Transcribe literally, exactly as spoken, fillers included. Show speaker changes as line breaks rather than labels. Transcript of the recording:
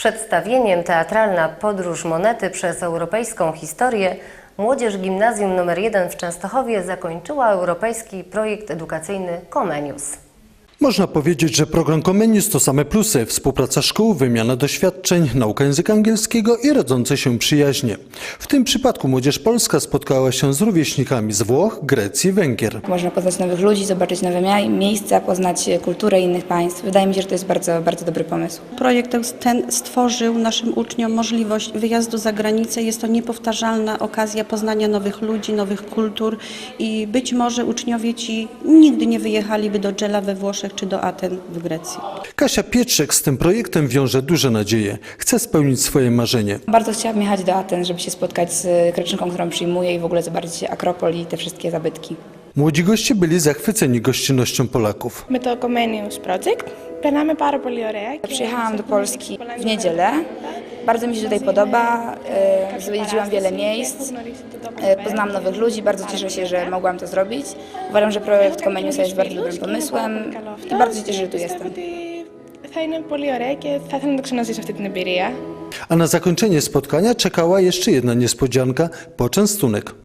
Przedstawieniem Teatralna podróż monety przez europejską historię młodzież Gimnazjum nr jeden w Częstochowie zakończyła europejski projekt edukacyjny Comenius.
Można powiedzieć, że program Comenius to same plusy: współpraca szkół, wymiana doświadczeń, nauka języka angielskiego i rodzące się przyjaźnie. W tym przypadku młodzież polska spotkała się z rówieśnikami z Włoch, Grecji, Węgier.
Można poznać nowych ludzi, zobaczyć nowe mia- miejsca, poznać kulturę innych państw. Wydaje mi się, że to jest bardzo, bardzo dobry pomysł.
Projekt ten stworzył naszym uczniom możliwość wyjazdu za granicę. Jest to niepowtarzalna okazja poznania nowych ludzi, nowych kultur i być może uczniowie ci nigdy nie wyjechaliby do Gela we Włoszech czy do Aten w Grecji.
Kasia Pietrzek z tym projektem wiąże duże nadzieje. Chce spełnić swoje marzenie.
Bardzo chciałabym jechać do Aten, żeby się spotkać z kreczynką, którą przyjmuję i w ogóle zobaczyć Akropol i te wszystkie zabytki.
Młodzi goście byli zachwyceni gościnnością Polaków.
Με το Comenius Project περνάμε πάρα πολύ ωραία.
Przyjechałam do Polski w niedzielę. Bardzo mi się tutaj podoba. E, Zwiedziłam wiele miejsc. E, Poznałam nowych ludzi. Bardzo cieszę się, że mogłam to zrobić. Uważam, że projekt Comeniusa jest bardzo dobrym pomysłem i bardzo się cieszę, że tu jestem.
Θα είναι πολύ ωραία και θα ήθελα να το ξαναζήσω αυτή την εμπειρία.
A na zakończenie spotkania czekała jeszcze jedna niespodzianka – poczęstunek.